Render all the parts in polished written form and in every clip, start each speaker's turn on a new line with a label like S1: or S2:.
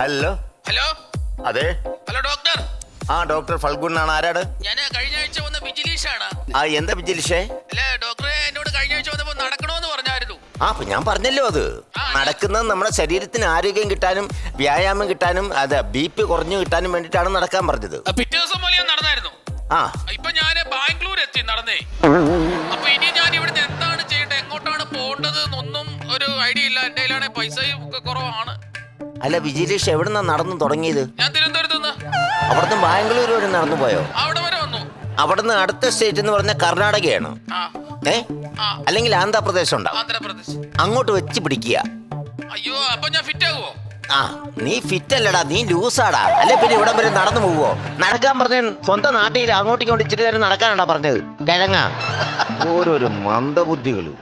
S1: Hello
S2: hello
S1: അതെ.
S2: Hello doctor.
S1: ആ doctor Falgun ആണ്. ആരാണ്?
S2: ഞാൻ കഴിഞ്ഞ ആഴ്ച വന്ന വിജിലീഷാണ്.
S1: ആ എന്താ വിജിലിഷേ?
S2: അല്ല ഡോക്ടറെ, എന്നോട് കഴിഞ്ഞ ആഴ്ച വന്നപ്പോ നടക്കണോന്ന് പറഞ്ഞായിരുന്നു.
S1: ആ അപ്പൊ ഞാൻ പറഞ്ഞല്ലോ, അത് നടക്കുന്നത് നമ്മുടെ ശരീരത്തിന് ആരോഗ്യം കിട്ടാനും വ്യായാമം കിട്ടാനും അത് BP കുറഞ്ഞു കിട്ടാനും വേണ്ടിട്ടാണ് നടക്കാൻ പറഞ്ഞത്.
S2: പിറ്റേ ദിവസം പോലെ ഞാൻ നടന്നായിരുന്നു.
S1: ആ
S2: ഇപ്പൊ ഞാൻ ബാംഗ്ലൂർ എത്തി നടന്നേ. അപ്പൊ ഇനി ഞാൻ ഇവിടുന്ന് എന്താണ് ചെയ്യേണ്ടത്, എങ്ങോട്ടാണ് പോകേണ്ടത് എന്നൊന്നും ഒരു ഐഡിയ ഇല്ല. എന്റെ കയ്യിലാണെ പൈസയും ഒക്കെ കുറവാണ്.
S1: അല്ല വിജിലേഷ്, എവിടുന്നാ നടന്നു തുടങ്ങിയത്?
S2: ഞാൻ തിരുവനന്തപുരത്ത് നിന്ന്.
S1: അവിടുന്ന് ബാംഗ്ലൂർ വരെ നടന്നു പോയോ?
S2: അവിടെ വരെ വന്നു.
S1: അവിടുന്ന് അടുത്ത സ്റ്റേറ്റ് എന്ന് പറഞ്ഞ കർണാടകയാണ്. അല്ലെങ്കിൽ ആന്ധ്രാപ്രദേശ് ഉണ്ടാവും.
S2: ആന്ധ്രാപ്രദേശ്.
S1: അങ്ങോട്ട് വെച്ച് പിടിക്കുക.
S2: അയ്യോ, അപ്പൊ ഞാൻ ഫിറ്റ് ആകുമോ?
S1: ആ നീ ഫിറ്റ് അല്ലടാ, നീ ലൂസാടാ. അല്ലെ പിന്നെ ഇവിടം വരെ നടന്നു പോവോ? നടക്കാൻ പറഞ്ഞ സ്വന്തം നാട്ടിൽ അങ്ങോട്ടും ഇങ്ങോട്ട് ഇച്ചിരി നേരം നടക്കാനാടാ പറഞ്ഞത്. കിഴങ്ങ ഓരോരോ മന്ദബുദ്ധികള്.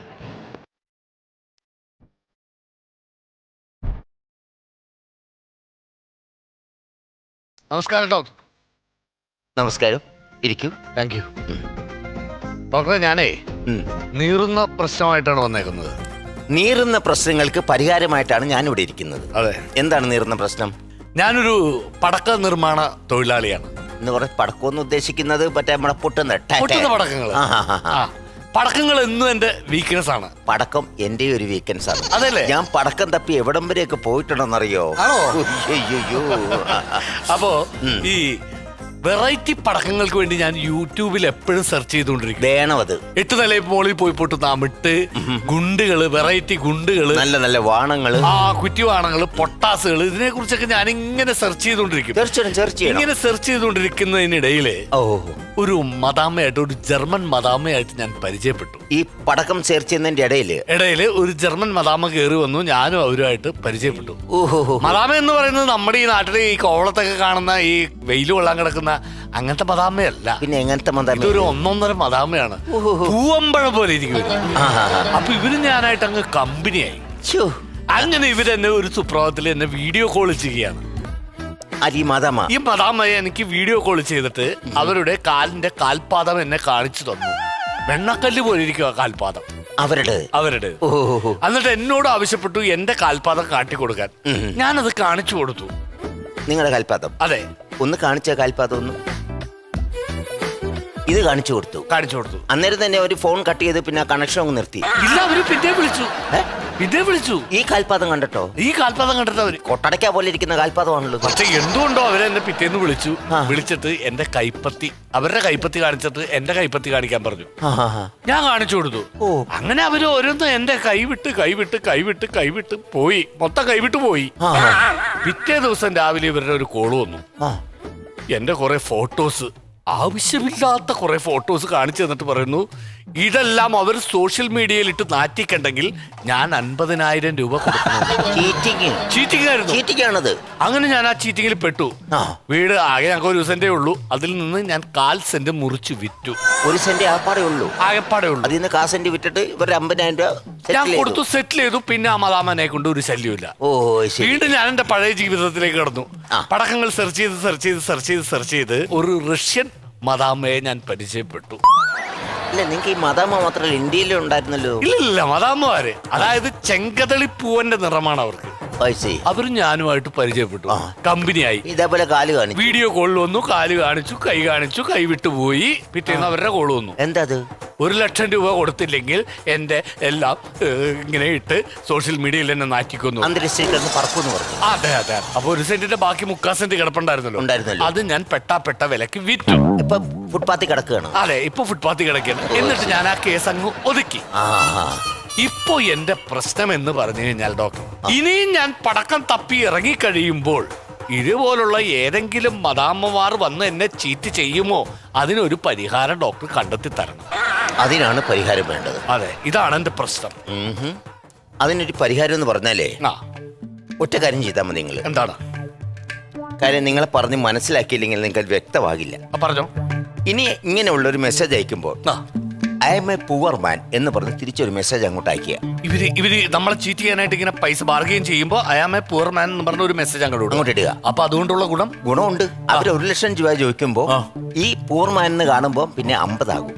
S3: നമസ്കാരം ഡോക്ടർ.
S1: നമസ്കാരം, ഇരിക്കൂ.
S3: താങ്ക് യു ഡോക്ടറെ. ഞാനേ നീറുന്ന പ്രശ്നമായിട്ടാണ് വന്നേക്കുന്നത്.
S1: നീറുന്ന പ്രശ്നങ്ങൾക്ക് പരിഹാരമായിട്ടാണ് ഞാൻ ഇവിടെ ഇരിക്കുന്നത്.
S3: അതെ.
S1: എന്താണ് നീറുന്ന പ്രശ്നം?
S3: ഞാനൊരു പടക്ക നിർമ്മാണ തൊഴിലാളിയാണ്.
S1: എന്ന് പറഞ്ഞ പടക്കമെന്ന് ഉദ്ദേശിക്കുന്നത് മറ്റേ നമ്മളെ പൊട്ടുന്ന
S3: പടക്കങ്ങൾ. പടക്കങ്ങൾ എന്നും എന്റെ വീക്ക്നെസ് ആണ്.
S1: പടക്കം എന്റെ ഒരു വീക്കെൻഡ്സ് ആണ്.
S3: അതല്ലേ?
S1: ഞാൻ പടക്കം തപ്പി എവിടം വരെയൊക്കെ പോയിട്ടുണ്ടെന്നറിയോ? അയ്യോ.
S3: അപ്പോ ഈ വെറൈറ്റി പടക്കങ്ങൾക്ക് വേണ്ടി ഞാൻ യൂട്യൂബിൽ എപ്പോഴും സെർച്ച് ചെയ്തുകൊണ്ടിരിക്കും.
S1: വേണം അത്.
S3: 8 നിലയിൽ മുകളിൽ പോയി പൊട്ടുന്ന അമിട്ട് ഗുണ്ടുകള്, വെറൈറ്റി ഗുണ്ടുകള്,
S1: നല്ല നല്ല വാണങ്ങള്,
S3: കുറ്റിവാണങ്ങള്, പൊട്ടാസുകള്, ഇതിനെ കുറിച്ചൊക്കെ ഞാൻ ഇങ്ങനെ സെർച്ച് ചെയ്തുകൊണ്ടിരിക്കും. ഇങ്ങനെ സെർച്ച് ചെയ്തുകൊണ്ടിരിക്കുന്നതിനിടയില് ഒരു മദാമയായിട്ട്, ഒരു ജർമ്മൻ മദാമയായിട്ട് ഞാൻ പരിചയപ്പെട്ടു.
S1: ഈ പടക്കം സെർച്ച് ചെയ്യുന്നതിന്റെ ഇടയില്
S3: ഒരു ജർമ്മൻ മദാമ കയറി വന്നു. ഞാനും അവരുമായിട്ട് പരിചയപ്പെട്ടു. മദാമ എന്ന് പറയുന്നത് നമ്മുടെ ഈ നാട്ടിലെ ഈ കോവളത്തൊക്കെ കാണുന്ന ഈ വെയിൽ കൊള്ളാൻ കിടക്കുന്ന അങ്ങനത്തെ മദാമയല്ല.
S1: പിന്നെ എങ്ങനത്തെ മദാമ?
S3: ഇതൊരു 1.5 മദാമയാണ്. പൂവമ്പഴം പോലെ ഇരിക്കും. അപ്പൊ ഇവര് ഞാനായിട്ട് അങ്ങ് കമ്പനിയായി. അങ്ങനെ ഇവരെന്നെ ഒരു സുപ്രഭാതത്തിൽ എന്നെ വീഡിയോ കോൾ ചെയ്യുകയാണ്.
S1: ഈ
S3: മദാമയെ എനിക്ക് വീഡിയോ കോൾ ചെയ്തിട്ട് അവരുടെ കാലിന്റെ കാൽപാദം എന്നെ കാണിച്ചു തന്നു. വെണ്ണക്കല്ല് പോലെ ഇരിക്കുക കാൽപാദം അവരുടെ. എന്നിട്ട് എന്നോട് ആവശ്യപ്പെട്ടു എന്റെ കാൽപാദം കാട്ടിക്കൊടുക്കാൻ. ഞാനത് കാണിച്ചു കൊടുത്തു.
S1: നിങ്ങളുടെ കാൽപാദം?
S3: അതെ.
S1: ഒന്ന് കാണിച്ച കാൽപാദം ഒന്ന് ഇത് കാണിച്ചു കൊടുത്തു. അന്നേരം തന്നെ ഒരു ഫോൺ കട്ട് ചെയ്ത് പിന്നെ കണക്ഷൻ അങ്ങ് നിർത്തി.
S3: ഇല്ല, അവര് പിന്നെ വിളിച്ചു.
S1: ഈ കാൽപാദം കണ്ടിട്ടോ?
S3: അവര്
S1: കൊട്ടടയ്ക്ക പോലെ ഇരിക്കുന്ന കാൽപാദമാണല്ലോ.
S3: പക്ഷെ എന്തുകൊണ്ടോ അവരെന്നെ പിറ്റേന്ന് വിളിച്ചിട്ട് എന്റെ കൈപ്പത്തി, അവരുടെ കൈപ്പത്തി കാണിച്ചിട്ട് എന്റെ കൈപ്പത്തി കാണിക്കാൻ പറഞ്ഞു. ഞാൻ കാണിച്ചു കൊടുത്തു. അങ്ങനെ അവര് ഓരോന്ന് എന്റെ കൈവിട്ട് പോയി. മൊത്തം കൈവിട്ട് പോയി. പിറ്റേ ദിവസം രാവിലെ ഇവരുടെ ഒരു കോള് വന്നു. എന്റെ കുറെ ഫോട്ടോസ്, ആവശ്യമില്ലാത്ത കുറെ ഫോട്ടോസ് കാണിച്ചു തന്നിട്ട് പറയുന്നു, ഇതെല്ലാം അവർ സോഷ്യൽ മീഡിയയിൽ ഇട്ട് നാറ്റിക്കണ്ടെങ്കിൽ ഞാൻ 50,000 രൂപ ചീറ്റിംഗ് ആയിരുന്നു. അങ്ങനെ ഞാൻ ആ ചീറ്റിങ്ങിൽ പെട്ടു. വീട് ആകെ ഞങ്ങൾക്ക് 1 സെന്റേ ഉള്ളൂ. അതിൽ നിന്ന് ഞാൻ 1/4 സെന്റ് മുറിച്ച് വിറ്റു.
S1: 1 സെന്റ് ആകെപ്പാടേ ഉള്ളൂ. അതിൽ നിന്ന് 1/4 സെന്റ് വിറ്റിട്ട് ഇവർ 50,000 രൂപ
S3: ഞാൻ കൊടുത്തു, സെറ്റിൽ ചെയ്തു. പിന്നെ ആ മദാമനെ കൊണ്ട് ഒരു ശല്യമില്ല. വീണ്ടും ഞാൻ എന്റെ പഴയ ജീവിതത്തിലേക്ക് കടന്നു. പടക്കങ്ങൾ സെർച്ച് ചെയ്ത് ഒരു റഷ്യൻ മദാമയെ ഞാൻ പരിചയപ്പെട്ടു.
S1: അല്ല, നിങ്ങൾക്ക് ഈ മദാമ മാത്രമല്ല ഇന്ത്യയിലും ഉണ്ടായിരുന്നല്ലോ?
S3: ഇല്ല, മദാമ്മമാര്, അതായത് ചെങ്കതളിപ്പൂവന്റെ നിറമാണ് അവർക്ക്. അവരും ഞാനുമായിട്ട് പരിചയപ്പെട്ടു, കമ്പനിയായി.
S1: ഇതേപോലെ കാല് കാണിച്ചു,
S3: വീഡിയോ കോളിൽ വന്നു, കാല് കാണിച്ചു, കൈ വിട്ടുപോയി. പിറ്റേന്ന് അവരുടെ കോള് വന്നു.
S1: എന്താ
S3: 1 ലക്ഷം രൂപ കൊടുത്തില്ലെങ്കിൽ എന്റെ എല്ലാം ഇങ്ങനെ ഇട്ട് സോഷ്യൽ മീഡിയയിൽ എന്നെ നാറ്റിക്കുന്നു. അതെ. അപ്പൊ 1 സെന്റിന്റെ ബാക്കി 3/4 സെന്റ് കിടപ്പുണ്ടായിരുന്നല്ലോ. അത് ഞാൻ പെട്ട വിലക്ക് വിറ്റു.
S1: ഫുട്പാത്തിൽ കിടക്കുകയാണ്.
S3: അതെ, ഇപ്പൊ ഫുട്പാത്തിൽ കിടക്കുകയാണ്. എന്നിട്ട് ഞാൻ ആ കേസ് അങ്ങ് ഒതുക്കി. ഇപ്പൊ എന്റെ പ്രശ്നം എന്ന് പറഞ്ഞു കഴിഞ്ഞാൽ ഡോക്ടർ, ഇനിയും ഞാൻ പടക്കം തപ്പി ഇറങ്ങിക്കഴിയുമ്പോൾ ഇതുപോലുള്ള ഏതെങ്കിലും മദാമ്മമാർ വന്ന് എന്നെ ചീറ്റ് ചെയ്യുമോ? അതിനൊരു പരിഹാരം ഡോക്ടർ കണ്ടെത്തി തരണം.
S1: അതിനാണ് പരിഹാരം വേണ്ടത്.
S3: അതെ, ഇതാണ് എന്റെ പ്രശ്നം.
S1: അതിനൊരു പരിഹാരം എന്ന് പറഞ്ഞാലേ ഒറ്റ കാര്യം ചെയ്താൽ മതി. നിങ്ങൾ
S3: എന്താണ്
S1: കാര്യം? നിങ്ങളെ പറഞ്ഞ് മനസ്സിലാക്കിയില്ലെങ്കിൽ നിങ്ങൾക്ക് വ്യക്തമാകില്ല.
S3: പറഞ്ഞോ.
S1: ഇനി ഇങ്ങനെയുള്ള ഒരു മെസ്സേജ് അയക്കുമ്പോൾ I'm a poor man എന്ന് പറഞ്ഞ് തിരിച്ചൊരു മെസ്സേജ് അങ്ങോട്ട് അയക്കുക.
S3: ഇവര് നമ്മളെ ചീറ്റ് ചെയ്യാനായിട്ട് ഇങ്ങനെ പൈസ ബാർഗെയിൻ ചെയ്യുമ്പോൾ I am a poor man എന്ന് പറഞ്ഞ ഒരു മെസ്സേജ് അങ്ങോട്ട് ഇടുക. അപ്പൊ അതുകൊണ്ടുള്ള ഗുണമുണ്ട്. അവർ 1 ലക്ഷം രൂപ ചോദിക്കുമ്പോൾ ഈ പുവർ മാൻ എന്ന് കാണുമ്പോൾ പിന്നെ 50 ആകും.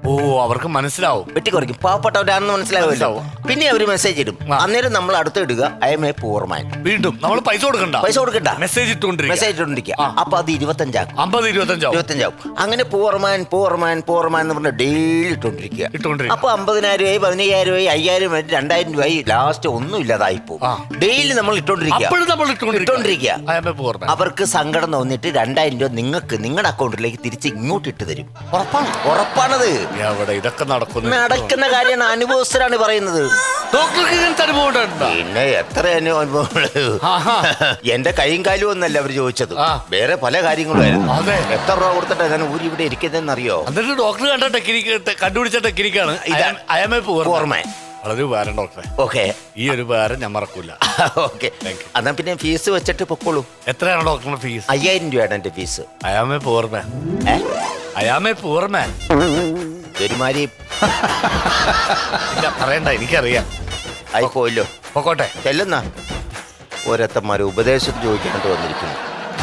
S3: ഓ അവർക്ക് മനസ്സിലാവും.
S1: വെട്ടിക്കുറയ്ക്കും, പാവപ്പെട്ടവരാണെന്ന് മനസ്സിലാവുമല്ലോ.
S3: മനസ്സിലാവും.
S1: പിന്നെ അവര് മെസ്സേജ് ഇടും.
S3: ആ.
S1: അന്നേരം നമ്മൾ അടുത്ത് ഇടുക I'm a poor man.
S3: വീണ്ടും നമ്മൾ പൈസ കൊടുക്കണ്ട,
S1: പൈസ കൊടുക്കണ്ട,
S3: മെസ്സേജ് ഇട്ടുകൊണ്ടിരിക്കുക.
S1: മെസ്സേജ് ഇട്ടുകൊണ്ടിരിക്കുക.
S3: ആ.
S1: അപ്പൊ അത് 25
S3: 50, 25
S1: 25 അങ്ങനെ പൂർ മാൻ എന്ന് പറഞ്ഞ ഡെയിലി ഇട്ടുകൊണ്ടിരിക്കുക. അപ്പൊ 50,000 രൂപ 15,000 രൂപ 5,000 രൂപ 2,000 രൂപ ലാസ്റ്റ് ഒന്നും ഇല്ലാതായി പോകും.
S3: ആ.
S1: ഡെയിലി നമ്മൾ ഇട്ടോണ്ടിരിക്കുക.
S3: ഇട്ടുകൊണ്ടിരിക്കുക.
S1: അവർക്ക് സങ്കടം തോന്നിട്ട് 2,000 രൂപ നിങ്ങൾക്ക് നിങ്ങളുടെ അക്കൗണ്ടിലേക്ക് തിരിച്ച് ഇങ്ങോട്ട് ഇട്ട് തരും. ഉറപ്പാണത്.
S3: എവിടെ ഇതൊക്കെ
S1: നടക്കുന്ന കാര്യമാണ്, അനുഭവസ്ഥരാണ് പറയുന്നത്.
S3: ഡോക്ടർക്ക് ഇങ്ങനത്തെ അനുഭവം ഉണ്ടോ?
S1: പിന്നെ എത്ര അനുഭവങ്ങള്. എന്റെ കൈയും കാലും ഒന്നല്ല അവര് ചോദിച്ചത്,
S3: ആ.
S1: വേറെ പല കാര്യങ്ങളുമായിരുന്നു.
S3: അതെ.
S1: എത്ര രൂപ കൊടുത്തിട്ട് ഞാൻ ഊരി ഇവിടെ ഇരിക്കുന്നതെന്ന് അറിയോ?
S3: എന്നിട്ട് ഡോക്ടർ കണ്ട ടെക്നിക്ക് കണ്ടുപിടിച്ച ടെക്നിക്കാണ് അയമേ
S1: ഓർമ്മ.
S3: വളരെ ഉപകാരം ഡോക്ടറെ.
S1: ഓക്കെ,
S3: ഈ ഒരു ഉപകാരം ഞാൻ മറക്കൂല.
S1: ഓക്കെ.
S3: Thank you.
S1: എന്നാ പിന്നെ ഫീസ് വെച്ചിട്ട് പൊക്കോളൂ.
S3: എത്രയാണ് ഡോക്ടറിന്റെ ഫീസ്?
S1: 5,000 രൂപയാണ് എന്റെ ഫീസ്.
S3: അയാമേ പോർമാൻ, അയാമേ പോർമാൻ.
S1: ഒരുമാതിരി
S3: ഇല്ല പറയണ്ട, എനിക്കറിയാം.
S1: ആയിപ്പോയല്ലോ.
S3: പൊക്കോട്ടെ.
S1: ചെല്ലുന്ന ഓരോരുത്തന്മാര് ഉപദേശം ചോദിക്കാനായിട്ട് വന്നിരിക്കുന്നു.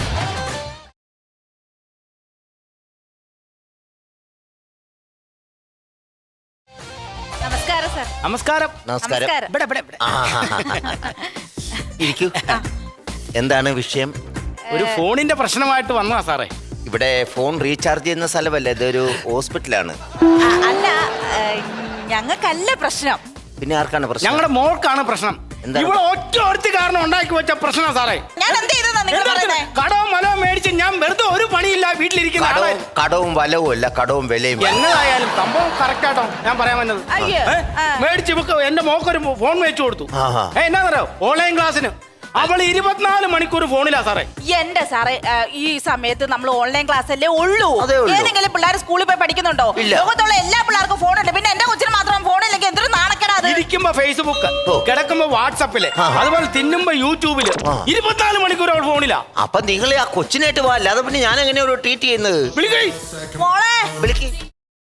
S4: നമസ്കാരം സർ.
S5: നമസ്കാരം.
S1: നമസ്കാരം.
S5: ഇവിടെ ഇവിടെ ഇവിടെ.
S1: ഇരിക്കൂ. എന്താണ് വിഷയം?
S5: ഒരു ഫോണിന്റെ പ്രശ്നമായിട്ട് വന്നതാ സാറേ.
S1: ഇവിടെ ഫോൺ റീചാർജ് ചെയ്യുന്ന സ്ഥലമല്ല, ഇതൊരു ഹോസ്പിറ്റലാണ്.
S4: അല്ല, ഞങ്ങൾക്കല്ല പ്രശ്നം.
S1: പിന്നെ ആർക്കാണ് പ്രശ്നം?
S5: ഞങ്ങളുടെ മോൾക്കാണ് പ്രശ്നം.
S1: എന്താണ്?
S5: ഇവിടെ ഒറ്റ ഒരുത്തി കാരണം ഉണ്ടാക്കി വെച്ച പ്രശ്നം സാറേ.
S4: ഞാൻ എന്ത് ചെയ്തെന്നാ നിങ്ങൾ പറയുന്നേ?
S5: കടവും മലവും മേടിച്ച് ഞാൻ വെറുതെ ഒരു പണിയില്ല വീട്ടിലിരിക്കുന്ന ആളെ.
S1: കടവും വലവും അല്ല, കടവും വിലയും.
S5: എന്നതായാലും സംഭവം കറക്റ്റ് ആട്ടോ ഞാൻ പറയാൻ വന്നത്.
S4: അയ്യോ.
S5: മേടിച്ച് ഇവക്ക് എന്റെ മോക്കൊരു ഫോൺ മേടിച്ചു കൊടുത്തു.
S1: ആഹാ.
S5: എന്നാന്നറിയോ, ഓൺലൈൻ ക്ലാസ്സിന് അവൾ 24 മണിക്കൂർ ഫോണിലാ സാറേ.
S4: എന്റെ സാറേ, ഈ സമയത്ത് നമ്മൾ ഓൺലൈൻ ക്ലാസ് അല്ലേ ഉള്ളൂ.
S1: അതേ ഉള്ളൂ.
S4: ഏതെങ്കിലും പിള്ളേർ സ്കൂളിൽ പോയി പഠിക്കുന്നുണ്ടോ?
S1: ഇല്ല.
S4: ലോകത്തുള്ള എല്ലാ പിള്ളേർക്കും ഫോണുണ്ട്. പിന്നെ എന്റെ കൊച്ചിന് മാത്രം ഫോണില്ലെങ്കിൽ എന്തൊരു നാണക്കേടാ അത്.
S5: ഇരിക്കുമ്പോ ഫേസ്ബുക്ക്,
S1: ഓ. കിടക്കുമ്പോ
S5: വാട്സപ്പില്,
S1: ആഹാ.
S5: അതുപോലെ തിന്നുമ്പോ യൂട്യൂബില്,
S1: ആ.
S5: 24 മണിക്കൂർ അവൾ ഫോണിലാ.
S1: അപ്പൊ നിങ്ങൾ ആ കൊച്ചിനായിട്ട് പോവാ, അല്ലാതെ പിന്നെ ഞാൻ എങ്ങനെയാ ഒരു ട്രീറ്റ് ചെയ്യുന്നത്?
S5: വിളിക്കേ.
S4: മോളെ,
S1: വിളിക്ക്.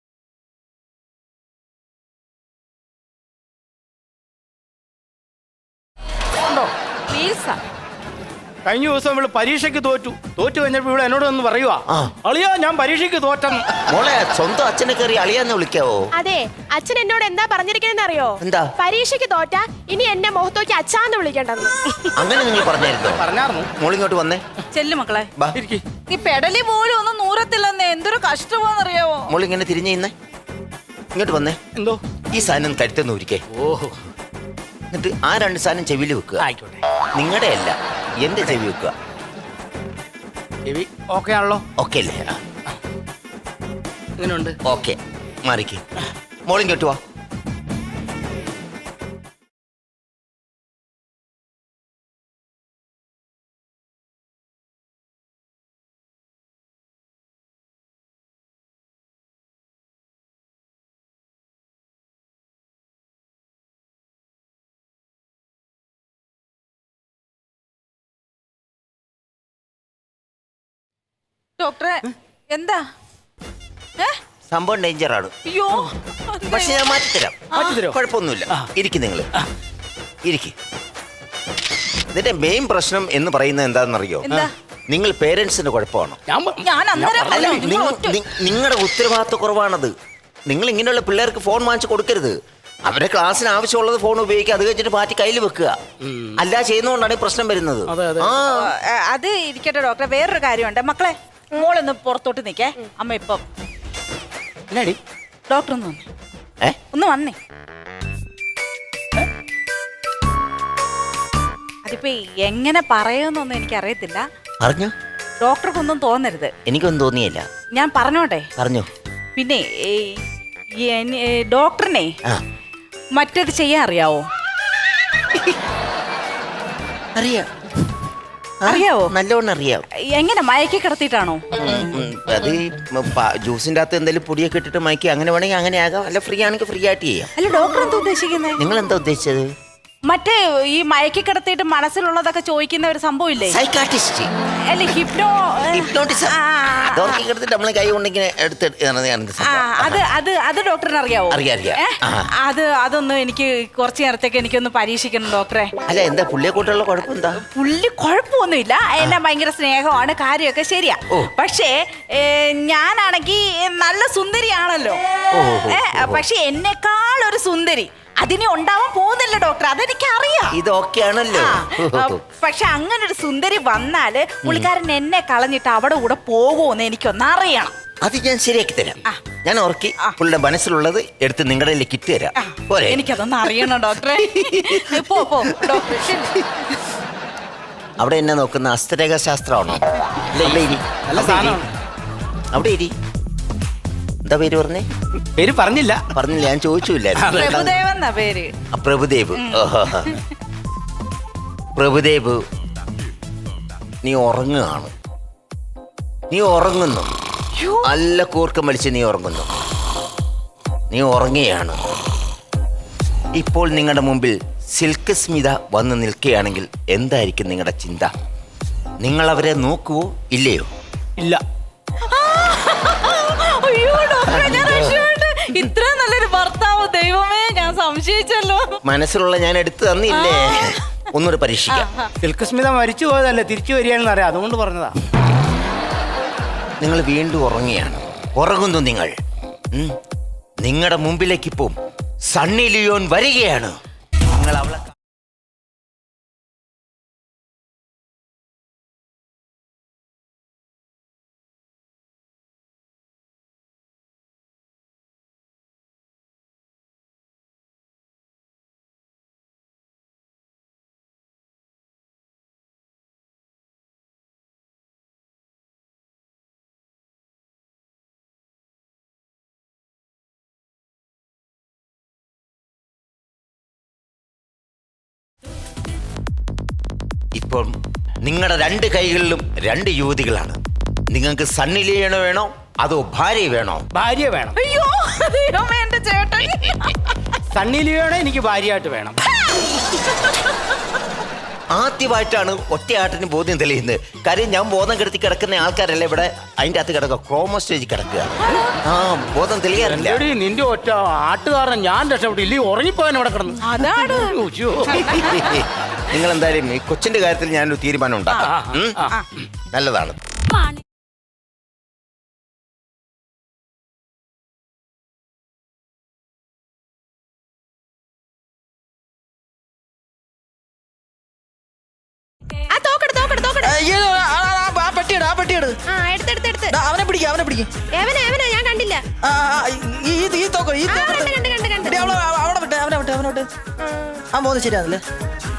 S4: പ്ലീസ്.
S5: കഴിഞ്ഞ ദിവസം ഇവള് പരീക്ഷയ്ക്ക് തോറ്റു കഴിഞ്ഞപ്പോ ഇവിടെ എന്നോട് ഒന്ന് പറയുവാ,
S1: ആ.
S5: അളിയാ ഞാൻ പരീക്ഷയ്ക്ക് തോറ്റെന്ന്.
S1: മോളെ, സ്വന്തം അച്ഛനെ കയറി അളിയാന്ന് വിളിക്കാവോ?
S6: അതെ, അച്ഛൻ എന്നോട് എന്താ പറഞ്ഞിരിക്കണെന്ന് അറിയോ?
S1: എന്താ?
S6: പരീക്ഷയ്ക്ക് തോറ്റ ഇനി എന്നെ മുഖത്തോക്കി അച്ഛാന്ന് വിളിക്കണ്ടെന്ന്.
S1: അങ്ങനെ നിങ്ങൾ പറഞ്ഞായിരുന്നോ?
S5: പറഞ്ഞായിരുന്നു.
S1: മോളിങ്ങോട്ട് വന്നേ.
S4: ചെല്ലു മക്കളെ.
S1: ബാ.
S5: ഇരിക്ക്.
S4: ഈ പെടലി പോലും ഒന്നും നൂറത്തില്ലെന്ന്. എന്തൊരു കഷ്ടമാണെന്നറിയാവോ?
S1: മോളിങ്ങനെ തിരിഞ്ഞു നിന്നേ. ഇങ്ങോട്ട് വന്നേ.
S5: എന്തോ?
S1: ഈ സാധനം കരുത്തുനിന്ന് ഊരിക്കേ.
S5: ഓഹോ,
S1: എന്നിട്ട് ആ 2 സാധനം ചെവിയിൽ വെക്കുക.
S5: ആയിക്കോട്ടെ.
S1: നിങ്ങളുടെ അല്ല, എന്റെ ചെവി വെക്കുക.
S5: ചെവി ഓക്കെ ആണല്ലോ.
S1: ഓക്കെ അല്ലേ?
S5: എങ്ങനെയുണ്ട്?
S1: ഓക്കെ, മാറിക്ക്. മോളിങ്ങോട്ട് വാ.
S4: ഡോക്ടറെ, എന്താ?
S1: സംഭവം ഡേഞ്ചറാണ്.
S4: അയ്യോ,
S1: പക്ഷെ ഞാൻ മാറ്റിത്തരാം.
S5: മാറ്റിത്തരോ?
S1: കുഴപ്പമൊന്നുമില്ല. ഇരിക്കും നിങ്ങൾ. ഇരിക്കും. ഇതിന്റെ മെയിൻ പ്രശ്നം എന്ന് പറയുന്നത് എന്താണെന്നറിയോ?
S4: എന്താ?
S1: നിങ്ങൾ പേരൻസിന്റെ കുഴപ്പമാണോ?
S4: ഞാൻ അന്നേരം
S1: അല്ല,
S4: പറഞ്ഞു, നിങ്ങൾ ഒറ്റ-
S1: നിങ്ങളുടെ ഉത്തരവാദിത്വ കുറവാണത്. നിങ്ങൾ ഇങ്ങനെയുള്ള പിള്ളേർക്ക് ഫോൺ വാങ്ങിച്ചു കൊടുക്കരുത്. അവരെ ക്ലാസ്സിന് ആവശ്യമുള്ളത് ഫോൺ ഉപയോഗിക്കുക, അത് കഴിഞ്ഞിട്ട് മാറ്റി കയ്യിൽ വെക്കുക. അല്ല ചെയ്യുന്നതുകൊണ്ടാണ് ഈ പ്രശ്നം വരുന്നത്.
S5: അതെ, അതെ.
S1: ആ.
S4: അത് ഇരിക്കട്ടെ ഡോക്ടറെ, വേറൊരു കാര്യമുണ്ട്. മക്കളെ, മോളൊന്ന് പുറത്തോട്ട് നിൽക്കേ. അമ്മ ഇപ്പം
S5: എന്നാടി?
S4: ഡോക്ടർ ഒന്ന് വന്നേ.
S1: ഏ?
S4: ഒന്ന് വന്നേ. അതിപ്പോ എങ്ങനെ പറയുമെന്നൊന്നും എനിക്കറിയത്തില്ല.
S1: പറഞ്ഞോ?
S4: ഡോക്ടർക്കൊന്നും തോന്നരുത്.
S1: എനിക്കൊന്നും തോന്നിയില്ല.
S4: ഞാൻ പറഞ്ഞോട്ടെ?
S1: പറഞ്ഞോ.
S4: പിന്നെ ഡോക്ടറിനെ
S1: ആ.
S4: മറ്റേത് ചെയ്യാൻ അറിയാവോ?
S1: അറിയാം.
S4: അറിയാവോ?
S1: നല്ലോണം അറിയാം.
S4: എങ്ങനെ, മയക്കി കിടത്തിയിട്ടാണോ?
S1: അത് ജ്യൂസിന്റെ അകത്ത് എന്തെങ്കിലും പൊടിയൊക്കെ ഇട്ടിട്ട് മയക്കി അങ്ങനെ വേണമെങ്കിൽ അങ്ങനെ ആകാം. അല്ല ഫ്രീ ആണെങ്കിൽ ഫ്രീ ആയിട്ട് ചെയ്യാം.
S4: അല്ല, ഡോക്ടർ എന്താ ഉദ്ദേശിക്കുന്നത്?
S1: നിങ്ങൾ എന്താ ഉദ്ദേശിച്ചത്?
S4: മറ്റേ ഈ മയക്കി കിടത്തിയിട്ട് മനസ്സിലുള്ളതൊക്കെ ചോദിക്കുന്ന ഒരു സംഭവം ഇല്ലേ?
S1: സൈക്കാട്രിസ്റ്റ്,
S4: അല്ല
S1: ഹിപ്നോട്ടിസം. അതോർക്കി കിടത്തിട്ട് നമ്മള് കൈ കൊണ്ടിങ്ങനെ എടുത്ത്
S4: അത് ഡോക്ടറിന് അറിയാവോ?
S1: അറിയാം.
S4: അതൊന്നും എനിക്ക് കുറച്ചു നേരത്തേക്ക് എനിക്കൊന്ന് പരീക്ഷിക്കണം ഡോക്ടറെ.
S1: അല്ല, എന്താ പുള്ളിയെ കൂട്ടുള്ള കുഴപ്പം എന്താ?
S4: പുള്ളി കുഴപ്പമൊന്നുമില്ല, എന്നെ ഭയങ്കര സ്നേഹമാണ്, കാര്യമൊക്കെ ശരിയാ. പക്ഷേ ഞാനാണെങ്കിൽ നല്ല സുന്ദരിയാണല്ലോ. പക്ഷെ എന്നെക്കാൾ ഒരു സുന്ദരി അതിനെ ഉണ്ടാവാൻ പോകുന്നില്ല ഡോക്ടർ, അതെനിക്ക് അറിയാം.
S1: ഇതൊക്കെയാണല്ലോ.
S4: പക്ഷെ അങ്ങനെ ഒരു സുന്ദരി വന്നാല് പുള്ളിക്കാരൻ എന്നെ കളഞ്ഞിട്ട് അവിടെ കൂടെ പോകുമെന്ന് എനിക്കൊന്ന് അറിയണം.
S1: അത് ഞാൻ ശരിയാക്കി തരാം. ഞാൻ ഓർക്കി പുള്ളിയുടെ മനസ്സിലുള്ളത് എടുത്ത് നിങ്ങളുടെ കിറ്റ് തരാം. പോരെ?
S4: എനിക്കതൊന്ന് അറിയണം ഡോക്ടറെ. പോ ഡോക്ടർ.
S1: അവിടെ എന്നെ നോക്കുന്ന ഹസ്തരേഖ ശാസ്ത്രമാണോ? അവിടെ ഇരി. എന്താ പേര് പറഞ്ഞേ?
S5: പേര് പറഞ്ഞില്ല.
S1: ഞാൻ ചോദിച്ചില്ല.
S4: പേര്
S1: പ്രഭുദേവ്. പ്രഭുദേവ്, നീ ഉറങ്ങുകയാണ്. നീ ഉറങ്ങുന്നു. നല്ല കൂർക്കം വലിച്ച് നീ ഉറങ്ങുന്നു. നീ ഉറങ്ങുകയാണ്. ഇപ്പോൾ നിങ്ങളുടെ മുമ്പിൽ സിൽക്ക് സ്മിത വന്ന് നിൽക്കുകയാണെങ്കിൽ എന്തായിരിക്കും നിങ്ങളുടെ ചിന്ത? നിങ്ങൾ അവരെ നോക്കുവോ ഇല്ലയോ?
S5: ഇല്ല.
S4: ഇത്ര നല്ലൊരു ഭർത്താവ്, ദൈവമേ, ഞാൻ സംശയിച്ചല്ലോ.
S1: മനസ്സിലുള്ള ഞാൻ എടുത്തു തന്നില്ലേ? ഒന്നുകൂടെ പരീക്ഷിക്കാം.
S5: സിൽക്ക് സ്മിത മരിച്ചു പോയതല്ലേ, തിരിച്ചു വരികയാണെന്ന് അറിയാം, അതുകൊണ്ട് പറഞ്ഞതാ.
S1: നിങ്ങൾ വീണ്ടും ഉറങ്ങുകയാണ്. ഉറങ്ങുന്നു നിങ്ങൾ. നിങ്ങളുടെ മുമ്പിലേക്ക് ഇപ്പം സണ്ണി ലിയോൺ വരികയാണ്. നിങ്ങൾ അവളെ ഇപ്പോൾ നിങ്ങളുടെ രണ്ട് കൈകളിലും രണ്ട് യുവതികളാണ്. നിങ്ങൾക്ക് സണ്ണി ലിയോൺ വേണോ അതോ ഭാര്യ വേണോ?
S5: ഭാര്യ വേണം.
S4: അയ്യോ ദൈവമേ, എന്റെ ചേട്ടൻ.
S5: സണ്ണി ലിയോണെ എനിക്ക് ഭാര്യയായിട്ട് വേണം.
S1: ആദ്യമായിട്ടാണ് ഒറ്റയാട്ടിന് ബോധ്യം തെളിയുന്നത്. കാര്യം ഞാൻ ബോധം കെടുത്തി കിടക്കുന്ന ആൾക്കാരല്ല ഇവിടെ അതിൻ്റെ അകത്ത് കിടക്കുക, ക്രോമോ സ്റ്റേജിൽ കിടക്കുക. ബോധം തെളിയാറില്ല.
S5: നിന്റെ ഒറ്റ ആട്ടുകാരൻ ഞാൻ രക്ഷപ്പെട്ടു. ഇല്ലേ ഉറങ്ങിപ്പോയാൻ ഇവിടെ കിടന്നു.
S4: അതാണ്.
S1: നിങ്ങൾ എന്തായാലും ഈ കൊച്ചിന്റെ കാര്യത്തിൽ ഞാനൊരു തീരുമാനം ഉണ്ടാക്കാം. നല്ലതാണ്.
S7: അവനെ പിടിക്കും.
S6: ഞാൻ കണ്ടില്ല.
S7: ശരിയാണല്ലേ?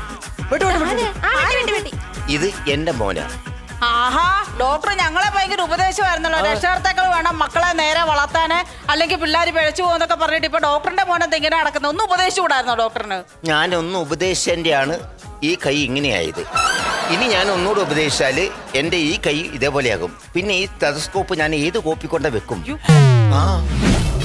S1: ഇത് എന്റെ മോനാണ്.
S4: ആഹാ, ഡോക്ടർ ഞങ്ങളെ ഭയങ്കര ഉപദേശമായിരുന്നല്ലോ. രക്ഷകർത്താക്കൾ വേണം മക്കളെ നേരെ വളർത്താന്, അല്ലെങ്കിൽ പിള്ളേർ പിഴച്ചു പോകുന്നൊക്കെ പറഞ്ഞിട്ട് ഇപ്പൊ ഡോക്ടറിന്റെ മോനെന്ത് ഇങ്ങനെ നടക്കുന്നത്? ഒന്ന് ഉപദേശിച്ചുകൂടായിരുന്നോ ഡോക്ടറിന്?
S1: ഞാനൊന്ന് ഉപദേശിച്ചതിൻ്റെയാണ് ഈ കൈ ഇങ്ങനെയായത്. ഇനി ഞാൻ ഒന്നുകൂടെ ഉപദേശിച്ചാല് എന്റെ ഈ കൈ ഇതേപോലെയാകും. പിന്നെ ഈ ടെലസ്കോപ്പ് ഞാൻ ഏത് കോപ്പി കൊണ്ട് വെക്കും?